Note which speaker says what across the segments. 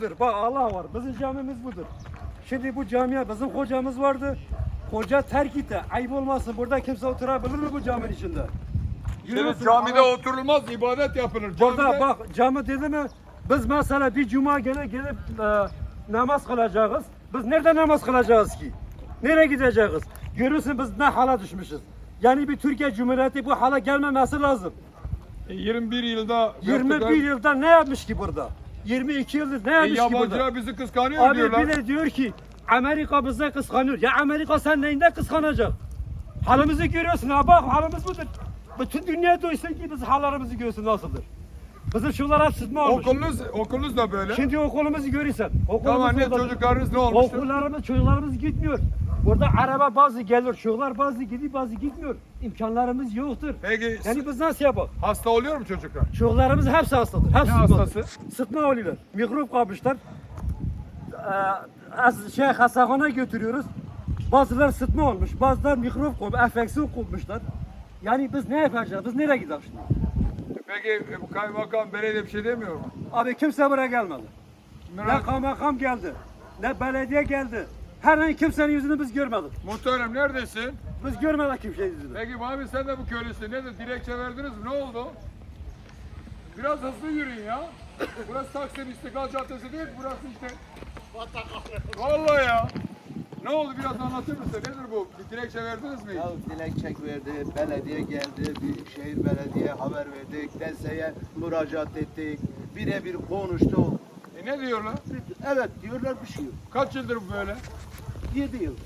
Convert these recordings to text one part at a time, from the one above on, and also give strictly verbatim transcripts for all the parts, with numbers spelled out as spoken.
Speaker 1: Bak Allah var. Bizim camimiz budur. Şimdi bu camiye bizim hocamız vardı. Hoca terk etti. Ayıp olmasın. Burada kimse oturabilir mi bu caminin içinde?
Speaker 2: Şimdi
Speaker 1: Yürüyorsun,
Speaker 2: camide
Speaker 1: Allah-
Speaker 2: oturulmaz, ibadet yapılır.
Speaker 1: Burada
Speaker 2: Camide-
Speaker 1: bak cami dedi mi? Biz mesela bir cuma günü gelip e, namaz kılacağız. Biz nerede namaz kılacağız ki? Nereye gideceğiz? Görürsün biz ne hala düşmüşüz. Yani bir Türkiye Cumhuriyeti bu hala gelmemesi lazım.
Speaker 2: E, yirmi bir yılda
Speaker 1: yirmi
Speaker 2: yaptılar.
Speaker 1: bir yılda ne yapmış ki burada? yirmi iki yıldır ne
Speaker 2: E,
Speaker 1: yapmış ki burada?
Speaker 2: yabancılar bizi kıskanıyor
Speaker 1: Abi
Speaker 2: diyorlar.
Speaker 1: bir de diyor ki Amerika bize kıskanıyor. Ya Amerika sen neyinde kıskanacak? Halimizi görüyorsun ha bak halimiz budur. Bütün dünya duysun ki biz hallerimizi görsün nasıldır. Bizim şunlar hep sıtma olmuş.
Speaker 2: Okulunuz, okulunuz da böyle.
Speaker 1: Şimdi okulumuzu görürsen. Okulumuz
Speaker 2: Tamam ne
Speaker 1: orada-
Speaker 2: çocuklarınız ne olmuştu?
Speaker 1: Okullarımız, çocuklarımız gitmiyor. Burada araba bazı gelir, çocuklar bazı gidiyor, bazı gitmiyor. İmkanlarımız yoktur.
Speaker 2: Peki
Speaker 1: Yani biz nasıl yapalım?
Speaker 2: hasta oluyor mu çocuklar?
Speaker 1: Çocuklarımız hepsi hastadır. Hepsi
Speaker 2: Ne
Speaker 1: sıtmadır.
Speaker 2: hastası?
Speaker 1: Sıtma oluyorlar. Mikrop kapmışlar. Ee, az şey hastahana götürüyoruz. Bazıları sıtma olmuş, bazıları mikrop kopmuş, enfeksiyon kopmuşlar. Yani biz ne yapacağız? Biz nereye gideceğiz şimdi?
Speaker 2: Peki e, bu kaymakam belediye bir şey demiyor mu?
Speaker 1: Abi kimse buraya gelmedi. Ne
Speaker 2: Merak-
Speaker 1: kaymakam geldi, ne belediye geldi. Her an kimsenin yüzünü biz görmedik.
Speaker 2: Muhterem neredesin?
Speaker 1: Biz görmedik kimsenin yüzünü.
Speaker 2: Peki abi sen de bu köylüsün. Ne de dilekçe verdiniz mi? Ne oldu? Biraz hızlı yürüyün ya. Burası Taksim İstiklal Caddesi değil, burası işte. Vallahi ya. Ne oldu biraz anlatır mısın? Nedir bu? Bir dilekçe verdiniz mi?
Speaker 3: Ya dilekçe verdi, belediye geldi, Büyükşehir Belediye haber verdik, D S E'ye müracaat ettik, birebir konuştuk.
Speaker 2: E ne diyorlar?
Speaker 3: Evet diyorlar bir şey yok.
Speaker 2: Kaç yıldır bu böyle?
Speaker 3: yedi yıl.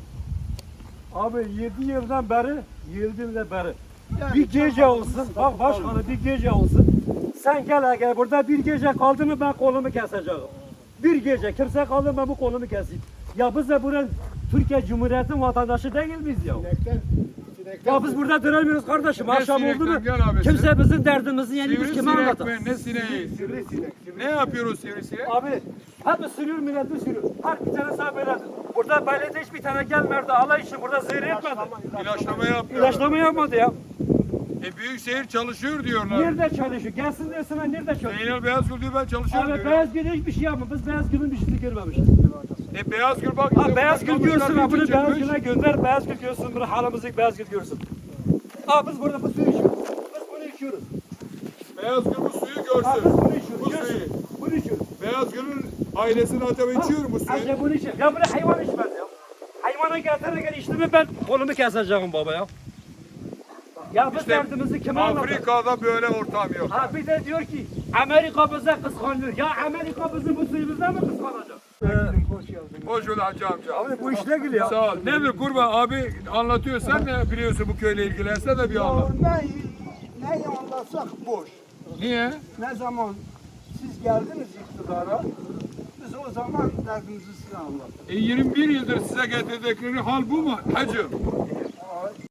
Speaker 1: Abi yedi yıldan beri, yedi yıldan beri.
Speaker 3: Yani
Speaker 1: Bir gece
Speaker 3: çok
Speaker 1: olsun,
Speaker 3: haklısın,
Speaker 1: bak başkanı bir gece olsun. Sen gel gel burada bir gece kaldı mı ben kolumu keseceğim. Bir gece kimse kaldı mı ben bu kolumu keseyim. Ya biz de buranın Türkiye Cumhuriyeti'nin vatandaşı değil miyiz ya? Ya biz burada duramıyoruz kardeşim.
Speaker 2: Ne
Speaker 1: Akşam oldu
Speaker 2: sinekten
Speaker 1: mu
Speaker 2: gel abi,
Speaker 1: kimse bizim derdimizi yani biz kime
Speaker 2: Sivrisinek
Speaker 1: anlatalım?
Speaker 2: mi? Ne sineği? Ne yapıyoruz sivrisinek?
Speaker 1: Abi hep sürüyor milleti sürüyor. Her bir tane sağ böyledir. Burada belediye hiçbir tane gelmedi. Allah için burada zehir etmedi.
Speaker 2: İlaçlama yapıyorlar.
Speaker 1: İlaçlama yapmadı ya.
Speaker 2: E Büyükşehir çalışıyor diyorlar.
Speaker 1: Nerede çalışıyor? Gelsin desinler nerede çalışıyor?
Speaker 2: Zeynel Beyazgül diyor ben çalışıyorum
Speaker 1: Abi
Speaker 2: diyor.
Speaker 1: beyaz gül hiçbir şey yapmadı. Biz beyaz gülün bir şeyini görmemişiz.
Speaker 2: E Beyazgül bak.
Speaker 1: Ha
Speaker 2: işte
Speaker 1: beyaz
Speaker 2: buradan
Speaker 1: gül görsün
Speaker 2: kamışlar
Speaker 1: ha bunu
Speaker 2: bütün
Speaker 1: beyaz
Speaker 2: çıkmış.
Speaker 1: güle gönder. Beyaz gül görsün bunu halimizi beyaz gül görsün. Aa biz burada bu suyu içiyoruz. Biz bunu içiyoruz.
Speaker 2: Beyazgül bu suyu
Speaker 1: Ha biz
Speaker 2: görsün.
Speaker 1: bunu içiyoruz.
Speaker 2: Bu
Speaker 1: Görsün.
Speaker 2: suyu.
Speaker 1: Bunu içiyoruz.
Speaker 2: Beyazgül'ün ailesinin acaba içiyor mu bu suyu?
Speaker 1: Ayrıca bunu içiyor. Ya bunu hayvan içmez ya. Hayvana getirir gel içti mi ben kolumu keseceğim baba ya. Ya biz
Speaker 2: İşte
Speaker 1: derdimizi kime anlatalım?
Speaker 2: Afrika'da böyle ortam yok.
Speaker 1: Ha bir de diyor ki Amerika bize kıskanıyor. Ya Amerika bizim bu suyumuzdan mı kıskanacak?
Speaker 2: Hoş bulduk Hacı amca.
Speaker 1: Abi bu iş ne gülüyor?
Speaker 2: Sağ ol. Nedir kurban abi anlatıyor. Sen ne biliyorsun bu köyle ilgili? Sen de bir anlat.
Speaker 3: Ne, ne anlatsak boş.
Speaker 2: Niye?
Speaker 3: Ne zaman siz geldiniz iktidara, biz o zaman derdimizi size anlattık.
Speaker 2: E yirmi bir yıldır size getirdikleri hal bu mu hacım?